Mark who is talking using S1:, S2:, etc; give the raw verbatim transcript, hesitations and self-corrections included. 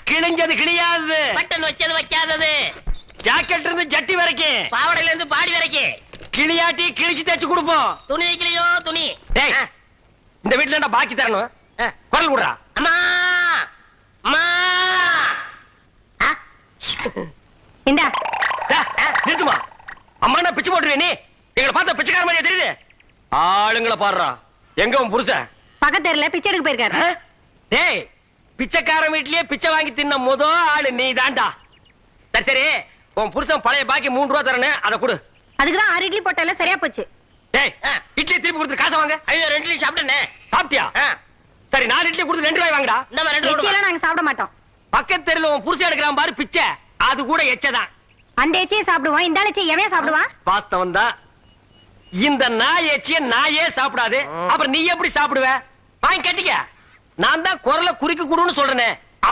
S1: கிழிஞ்சது கிழியாது,
S2: button வச்சது வைக்காதது,
S1: jacket இருந்து ஜட்டி வரைக்கும்,
S2: பாவடையில இருந்து பாடி வரைக்கும்
S1: கிளியாட்டி கிழிச்சு தச்சு கொடுப்போம்.
S2: துணி வைக்கலையோ துணி.
S1: டேய், இந்த வீட்டுல என்ன பாக்கி தரணும்? குரல் விடுறா.
S2: அம்மா அம்மா.
S3: இந்தா
S1: நிறுத்துமா. அம்மா நான் பிச்சு போட்டுருவேன். நீ எங்களை பார்த்தா பிச்சைக்கார மாதிரியா தெரியுது? ஆளுங்களை பாடுறா. எங்க உன் புருஷன்?
S3: பக்கத்துல பிச்சை எடுக்க போயிருக்காரு.
S1: டேய், பிச்சைக்காரன் வீட்லயே பிச்சை வாங்கி தின்ன முத ஆளு நீ தாண்டா. சரி சரி, உன் புருஷன் பழைய பாக்கி மூணு ரூபா தரணும், அதை கொடு.
S3: அதுக்குதான் ஆறு இட்லி போட்டால சரியா போச்சு.
S1: டேய், இட்லி திருப்பி கொடுத்து காசை வாங்க.
S2: ஐயோ ரெண்டு இட்லி சாப்பிட்டேனே.
S1: சாப்பிட்டியா? சரி, நாலு இட்லி கொடுத்து ரெண்டு ரூபாய் வாங்கடா.
S2: இந்த மாதிரி ரெண்டு
S3: எச்சியெல்லாம் நாங்க சாப்பிட மாட்டோம்.
S1: பக்கத்து தெருல உன் புருஷன் எடுக்கிறான் பாரு பிச்சை, அது கூட எச்சதான்.
S3: அந்த எச்சியை சாப்பிடுவோம், இந்த எச்சியை எவன் சாப்பிடுவான்?
S1: வாஸ்தவம் தான். இந்த நாய் எச்சிய நாயே சாப்பிடாது, அப்புறம் நீ எப்படி சாப்பிடுவ? வாங்கி கட்டிக்க. நான் தான் குரலை குறுக்கி கொடுன்னு சொல்றேனே.